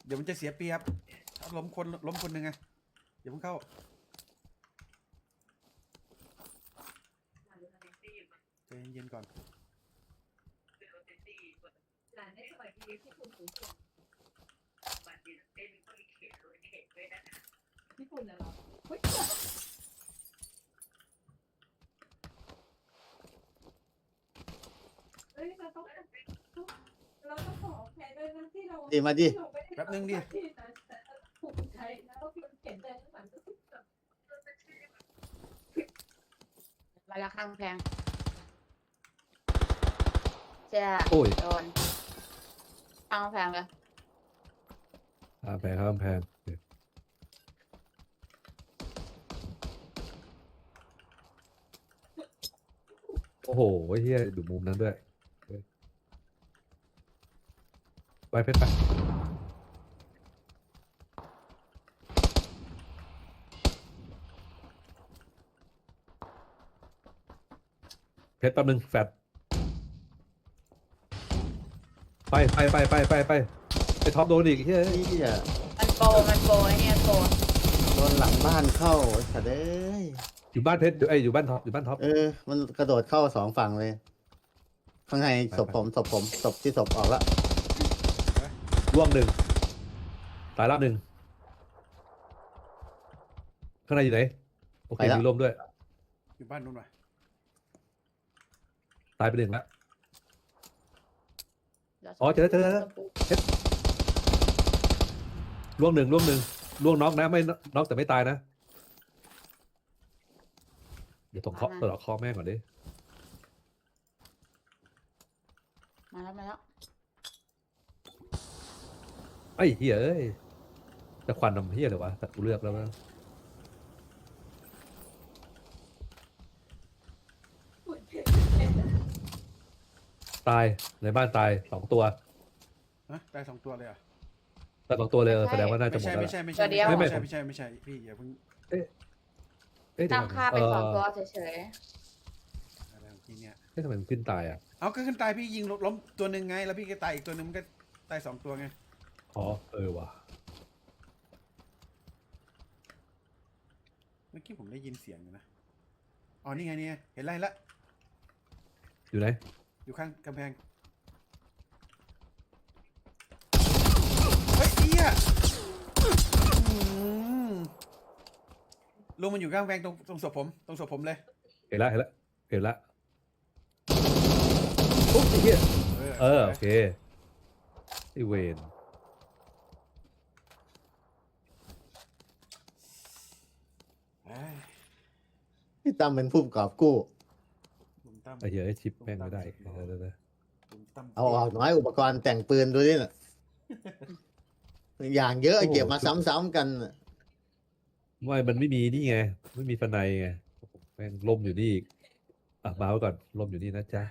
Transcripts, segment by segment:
เดี๋ยวมันจะเสียเปรียบถ้าล้มคนหนึ่งไงอย่าเพิ่งเข้าใจเย็นๆก่อนญี่ปุ่นเหรอเฮ้ยเราต้องขอแพ้ด้วยนะที่เราดีมาดิแป๊บนึงดิถูกใช้แล้วก็เขียนใจข้างหลังก็คือมาแล้วข้างแพงเจ้าโอ้ยโดนข้างแพงเลยข้ามแพงข้ามแพงโอ้โหเฮียดูมุมนั้นด้วยไปเพชรไปเพชรแป๊บนึงแฟดไปท็อปโดนอีกเฮ้ยนี่อ่ะมันโปรไอ้เนี่ยโปรโดนหลังบ้านเข้าไอ้สัตว์เอ้ยอยู่บ้านเพชรอยู่บ้านท็อปอยู่บ้านท็อปมันกระโดดเข้าสองฝั่งเลย ข้างในศพผมศพที่ศพออกแล้วร่วงหนึ่งตายรอบหนึ่งข้างในอยู่ไหนโอเคมีลมด้วยอยู่บ้านนู้นว่ะตายไปหนึ่งแล้วอ๋อเจอร่วงหนึ่งร่วงน็อกนะไม่น็อกแต่ไม่ตายนะเดี๋ยวต้องเคาะตลอดคอแม่งก่อนดิมาแล้วไอ้เหี้ยเอ้ยจะควันนำเหี้ยเลยวะแต่กูเลือกแล้วนะตายในบ้านตาย2 ตัวฮะได้2 ตัวเลยอ่ะตาย2 ตัวเลยแสดงว่าน่าจะไม่หมดใช่แล้วไม่ใช่ไม่ใช่ไม่ไม่ใช่พี่อย่าเพิ่งเอ๊ะตั้งค่าเป็น2 ตัวเฉยอะไรของพี่เนี่ยทำไมมันขึ้นตายอ่ะเอาก็ขึ้นตายพี่ยิงล้มตัวหนึ่งไงแล้วพี่ก็ตายอีกตัวหนึ่งมันก็ตาย2 ตัวไงอ๋อว่ะเมื่อกี้ผมได้ยินเสียงอยู่นะอ๋อนี่ไงเนี่ยเห็นไรละอยู่ไหนอยู่ข้างกำแพงเฮ้ยเอี้ยลุงมันอยู่ข้างกำแพงตรงศพผมเลยเห็นละโอ้ยเหี้ยโอเคไอเวนเอ้ยพี่ตั้มเป็นผู้ประกอบกู้ลุงตั้มไอ้เหี้ยไอ้ชิปแม่งไม่ได้เดี๋ยวลุงตั้มเอาออกน้อยอุปกรณ์แต่งปืนดูดิน่ะ อย่างเยอะเก็บมาซ้ำๆกันน่ะไม่มันไม่มีนี่ไงไม่มีฟันในไงแม่งล่มอยู่นี่อีกอ่ะมาไว้ก่อนล่มอยู่นี่นะจ๊ะ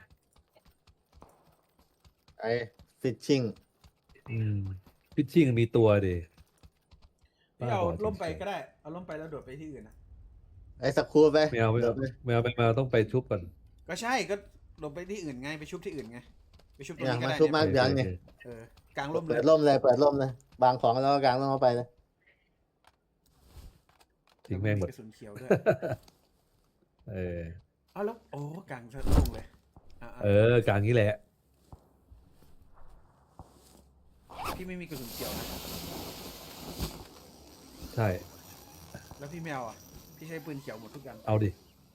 ไอ้ฟิชชิ่งพิชชิ่งมีตัวดิพี่เอาล่มไปก็ได้เอาล่มไปแล้วโดดไปที่อื่นนะไอ้สกรูไปไม่เอาเดี๋ยวไปต้องไปชุบก่อนก็ใช่ก็ลงไปที่อื่นไงไปชุบที่อื่นไงไปชุบตรงอย่างนี้ก็มาได้ชุบมาเนี่ยอย่างเนี่ยกลางร่มเลเปิยดร่มเลยบางของแล้วก็กางร่มเข้าไปเลยทิ้งแม่งหมดกระสุนเขียวด้วยเออเอาแล้วโอ้กลางซะโล่งเลยอ่ะกลางนี้แหละพี่ไม่มีกระสุนเขียวนะใช่แล้วพี่แมวอ่ะพี่ใช้ปืนเขียวหมดทุกอย่างเอาดิ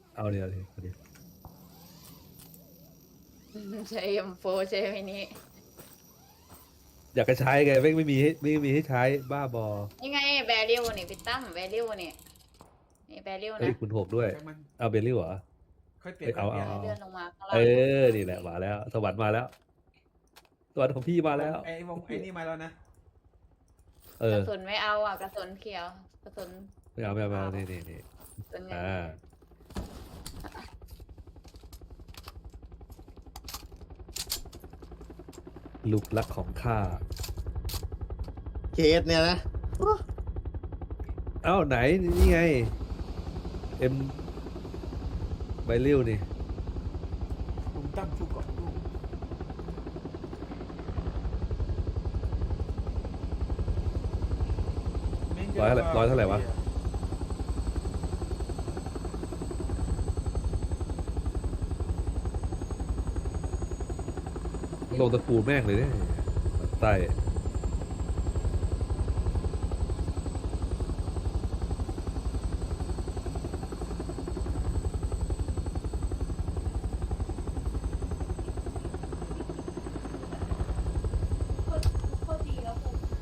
ๆใช้M4ใช้มินิอยากจะใช้ไงไม่มีให้ใช้บ้าบอนี่ไงแบริวนี่พี่ตั้มแบริวนี่แบริวเฮ้ยนะคุณ6ด้วยใช่มันเอาเบลลี่เหรอค่อยเปลี่ยนเอาค่อยเปลี่ยนเอาเลื่อนลงมาข้างล่าเอง นี่แหละมาแล้ว สวรรค์มาแล้วสวรรค์ของพี่มาแล้วไอ้นี่มาแล้วนะกระสุนไม่เอาอ่ะกระสุนเขียวกระสุนไม่เอานี่กระสุนเงินลูกรักของข้าเคสเนี่ยนะเอ้าไหนนี่ไงเอ็มใบเลี้ยวนี่ลุงตั้มชุบก่อนเร้อยเท่าไหร่ร้อยเท่าไหร่วะ ลงตะปูแม่งเลยเนี่ยใต้โคตรดีแล้วผม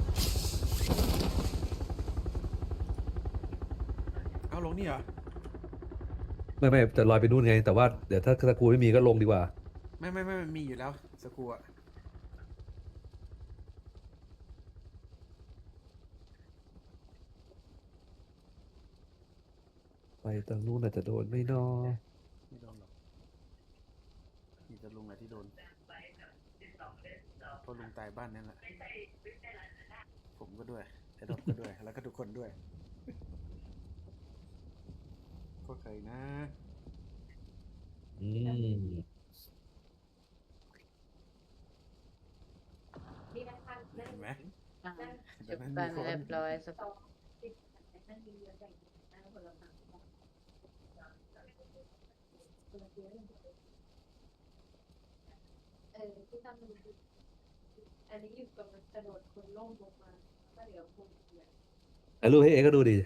เอาลงนี่เหรอไม่จะลอยไปนู่นไง แต่ว่าเดี๋ยวถ้าตะกูไม่มีก็ลงดีกว่าไม่มันมีอยู่แล้วสกรูอะไปตรงนู้นอาจจะโดนไม่นอไม่โดนหรอกมีแต่ลุงแหละที่โดนเพราะลุงตายบ้านนั่นแหละผมก็ด้วยไอ้ดอกก็ด้วย แล้วก็ทุกคนด้วยก็เคยนะอืมดีนะคะเห็นไหมอ่ะแต่จุดนั้นบัมีนคนเรียบร้อยสักนั่นดีเลยแต่งนั่นคนละฝั่งที่ทำมันอันนี้อยู่กับมันกระโดดคนล่มลงมาก็เดี๋ยวคงเสียไอ้รูปให้เองก็ดูดิ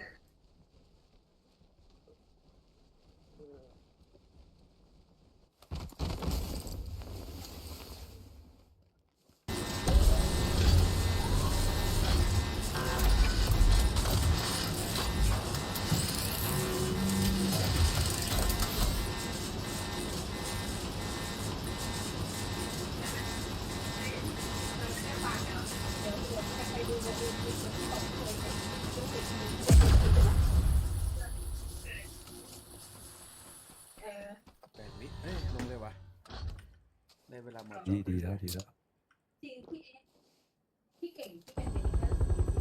8 วิเอ้ยลงเลยวะได้เวลาหมดดีแล้วดีแล้วจริงที่เก่งที่เป็นเด็กก็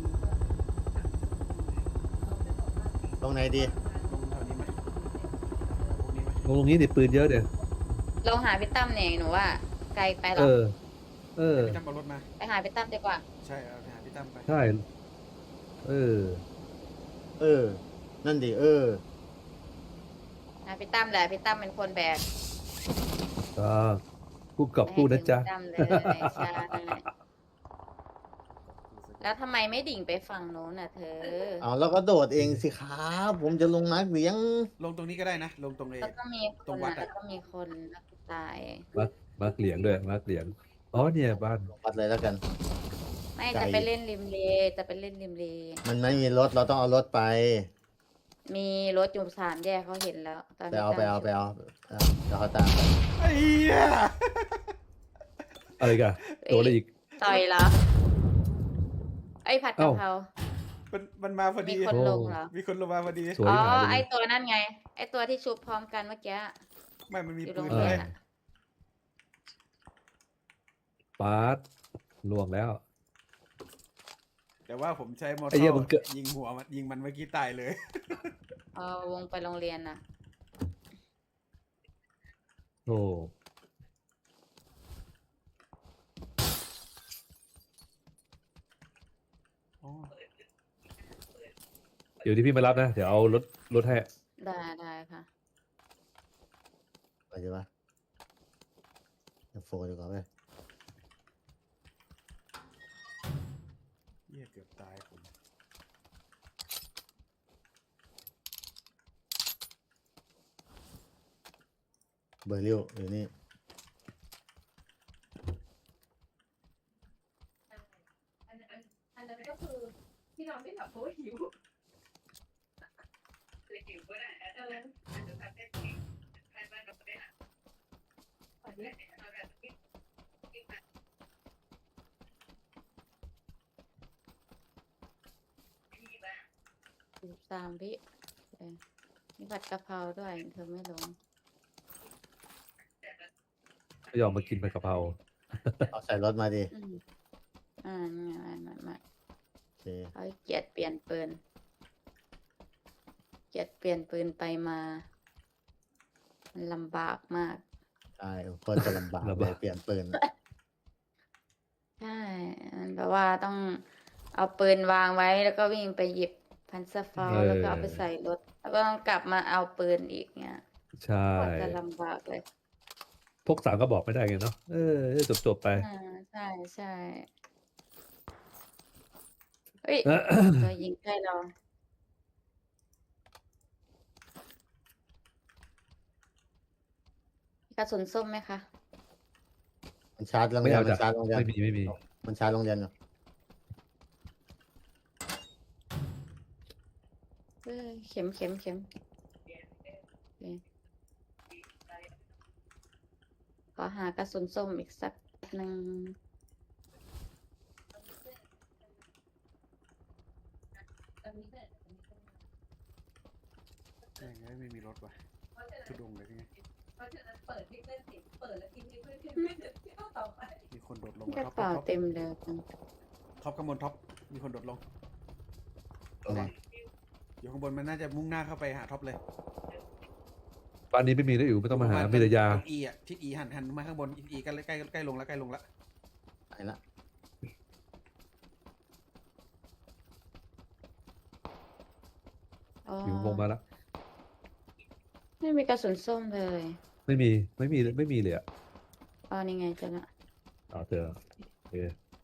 เขาจะบอกว่าตรงไหนดีลงแถวนี้ไหมพวกนี้ไหมลงตรงนี้ดิปืนเยอะเดี๋ยวเราหาพี่ตั้มเนี่ยหนูว่า ไกลไปหรเออพี่ตั้มเอารถมาไปหาพี่ตั้มดีกว่าใช่เอาไปหาพี่ตั้มไปใช่ เออเออ นั่นดิหาพี่ตั้มแหละพี่ตั้มเป็นคนแบกอ่าคู่กับคู่นะจ๊ะไม่ให้ถึงพี่ตั้มเลยใช่แล้วทำไมไม่ดิ่งไปฝั่งโน้นน่ะเธอเอาแล้วก็โดดเองสิครับผมจะลงนักเลี้ยงลงตรงนี้ก็ได้นะ ลงตรงเอแล้วก็มีคตรนงวัดอ่ะอะแล้วก็มีคนแล้วก็ตายมาร์กเหลียงด้วยมาร์กเหลียง อ๋อเนี่ยบ้านวัดเลยแล้วกันไม่ไกลจะไปเล่นริมเลจะไปเล่นริมเลมันไม่มีรถเราต้องเอารถไปมีรถอยู่3 แยกเขาเห็นแล้วตอนไปพี่เอาตั้มไปเอาไปเอาเดี๋ยวเขาตามไปไอ้เหี้ยอะไรกันโดนอะไรอีกต่อยเหรอไอ้ผัดกะเอ้าเพรามันมาพอมีดีคนลงเหรอมีคนลงมาพอดีสวยอ๋อหายเลไอย ตัวนั่นไง ไอตัวที่ชุบพร้อมกันเมื่อกี้ไม่มันมีอยู่โรปืงนเรีเลย ยนอะปาดล่วงแล้วแต่ว่าผมใช้มอเตอไอ้เหี้ยมึงเกิดร์ยิงหัวมันยิงมันเมื่อกี้ตายเลยเอาวงไปโรงเรียนน่ะโอ้อ๋อเดี๋ยวที่พี่มารับนะ เดี๋ยวเอารถให้ได้ค่ะไปดีวะเดี๋ยวโฟดีกว่าไปเหี้ยเกือบตายผมเบอร์ริวอยู่นี่อันนั้นก็คือที่นอนไม่หลับเพราะว่าหิวอันนี้ 13 วิมีผัดกะเพราด้วยเธอไม่ลงไม่ยอมมากินผัดกะเพราเอาใส่รถมาดิอืมไม่โอเคเขาเกลียดเปลี่ยนปืนไปมา มันลำบากมากใช่โคนจะลำบากเลยเปลี่ยนปืนใช่มันแบบว่าต้องเอาปืนวางไว้แล้วก็วิ่งไปหยิบพันสฟาวแล้วก็เอาไปใส่รถ แล้วก็ต้องกลับมาเอาปืนอีกเนี่ยใช่กว่าจะลำบากเลยพกสามก็บอกไม่ได้ไงเนาะจบไปใช่ใช่เฮ้ย ตัวยิงใกล้เรา กระสุนส้มไหมคะมันชาร์จโรงไม่เรียนเอามัจ้ะนชาร์จโรงเรียนไม่มีมันชาร์จโรงเรียนอยู่เข็มโอเคขอหากระสุนส้มอีกสักหนึ่งไม่มีรถว่ะทุดงเลยไงเพราะฉะนั้นเปิดที่เล่นสิเปิดแล้วกินที่เพื่อนขึ้นไม่เดี๋ยวเที่ยวต่อไปมีคนโดดลงกระท็อปเป๋าเต็มเลยจังท็อปข้างบนท็อปมีคนโดดลงตรงไหนอยู่ข้างบนมันน่าจะมุ่งหน้าเข้าไปหาท็อปเลยบ้านนี้ไม่มีแล้วอยู่ไม่ต้องมาหามีแต่ยาอีอ่ะทิศอีหันมาข้างบนอีใกล้ลงแล้วใกล้ลงแล้วไปละอ๋ออยู่วงมาแล้วไม่มีกระสุนส้มเลยไม่มีเลยอ่ะอ๋อนี่ไงเจอละเจอโอเค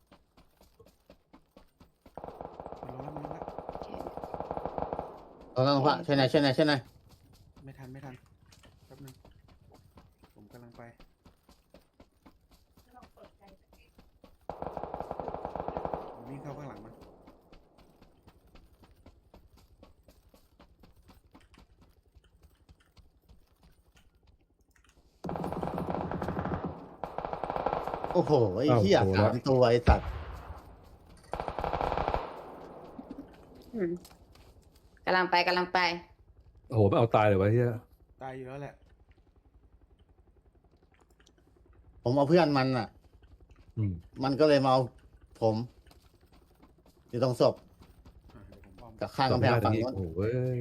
มันลงแล้วโอเคตรงนั้นพระช่วยหน่อยไม่ทันแป๊บนึงผมกำลังไปผมวิ่งเข้าข้างหลังมันโอ้โหไอ้เหี้ย3 ตัวไอ้สัตว์อืมกำลังไปโอ้โหไม่เอาตายเลยวะเฮียตายอยู่แล้วแหละผมเอาเพื่อนมันอ่ะ มันก็เลยมาเอาผม อยู่ตรงศพเดี๋ยวผมอ้อมกับข้างกำแพงฝั่งโอ้นู้นโหเว้ย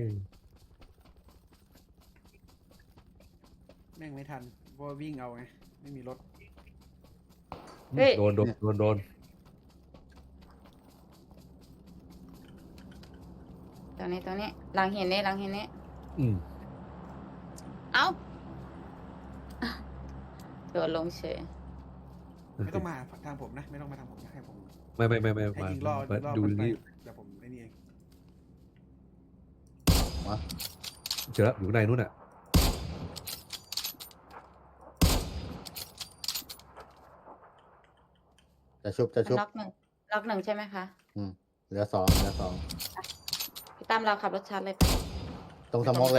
แม่งไม่ทันเพราะว่าวิ่งเอาไงไม่มีรถเฮ้ยโดนตรงนี้หลังเห็นนี่อืมเอ้าโดดลงเฉยไม่ต้องมาทางผมนะไม่ต้องมาทางผมนะให้ผมไม่ให้มายิงล่อดูมันไปนี่เดี๋ยวผมไอ้นี่เองเจอแล้วอยู่ข้างในนู้นอ่ะจะชุบล็อกหนึ่งใช่ไหมคะเหลือสองพี่ตั้มเราขับรถชาร์จเลยไปตรงสมองเลย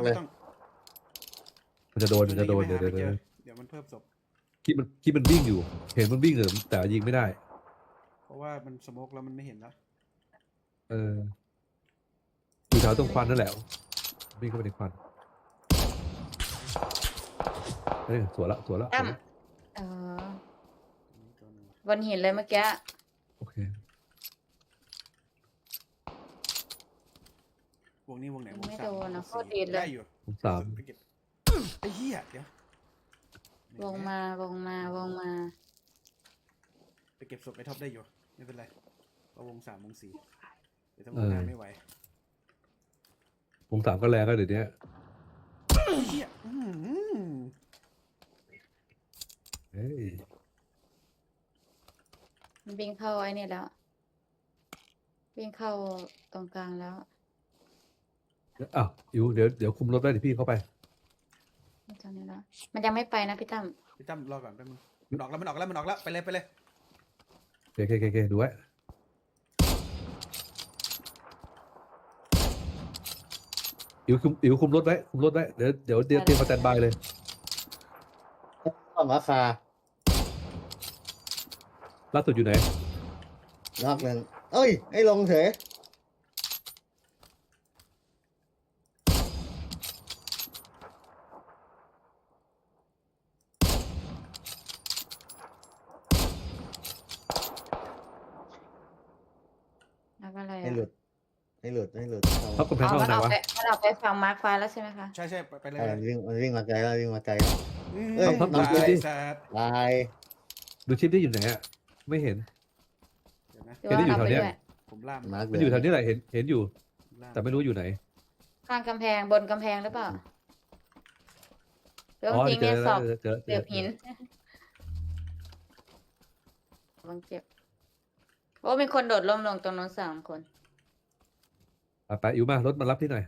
มันจะโดนเดี๋ยวเดี๋ยวมันเพิ่มศพคิดมันวิ่งอยู่ เห็นมันวิ่งเลยแต่ยิงไม่ได้เพราะว่ามันสโมกแล้วมันไม่เห็นแล้วอยู่แถวตรงควันนั่นแหละวิ่งเข้าไปในควันเฮ้ยสวยละตั้มบนหินเลยเมื่อกี้โอเควงนี้วงไหนวงไม่สามโดนนะวงโคตรดีเลยได้อยู่ผมสามไปเก็บไอ้เหี้ยเดี๋ยววงมาไปเก็บศพไอ้ท็อปได้อยู่ไม่เป็นไรเพราะวง 3 วง 4เดี๋ยวทำงานไม่ไหวผมสามก็แรงก็เดี๋ยวนี้ไอ้เหี้ยเฮ้ยมันวิ่งเข้าไอ้นี่แล้ว วิ่งเข้าตรงกลางแล้วอ้าวอิ๋วเดี๋ยวคุมรถได้เดี๋ยวพี่เข้าไปตรงนี้แล้วมันยังไม่ไปนะพี่ตั้มพี่ตั้มรอก่อนแป๊บนึงมันออกแล้วไปเลยโอเคดูไว้อิ๋วคุมรถไว้เดี๋ยวเตรียมมาสแตนบายเลยต้องราคาล่าสุดอยู่ไหนนอกหนึ่งเอ้ยให้ลงเถอะแล้วก็อะไรให้อ่ะหลุดพับกำแพงอ๋อเข้ามันไหนออกวะไปฝั่งมาร์คฟ้าแล้วใช่ไหมคะใช่ไปเลยวิ่งมาไกลแล้วเอ้ยน้องตายดิสัตว์ลายดูชิปที่อยู่ไหนอะไม่เห็นเดี๋ยวนะหรือว่าเห็นได้อยู่เราแถวไปเนี้ยด้วยผมล่ามมาร์กมันอยู่แถวนี้แหละเห็นอยู่โหน้าแต่ไม่รู้อยู่ไหนข้างกำแพงบนกำแพงหรือเปล่าเรื่องอ๋อจริงเจเนี่อยสแล้อวบเจอเสียบหินลองเจ็บโอ้มีคนโดดร่มลงตรงนู้น3 คนไปอิวมารถมารับที่หน่อย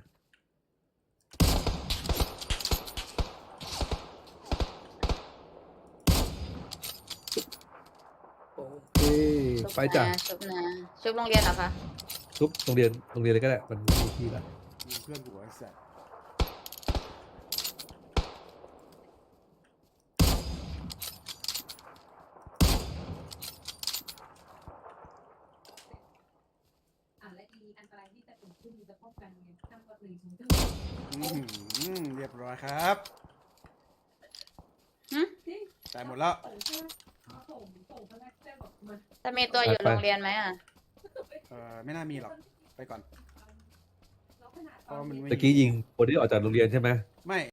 โอเคชุบไปจ้ะนะชุบนะชุบโรงเรียนเหรอคะทุบโรงเรียนเลยก็ได้มันไม่มีที่ละยิงเพื่อนกูไอ้สัสและอีอันตรายที่จะเกิดขึ้นจะป้องกันไงทำก่อน1 ถึงเรียบร้อยครับหึตายหมดแล้วส่งพนักงานบอกมาจะมีตัวอยู่โรงเรียนไหมอ่ะไม่น่ามีหรอก ไปก่อนแล้วขนาดเพราะมันไม่ตะกี้ยิงคนที่ออกจากโรงเรียนใช่ไหมไม่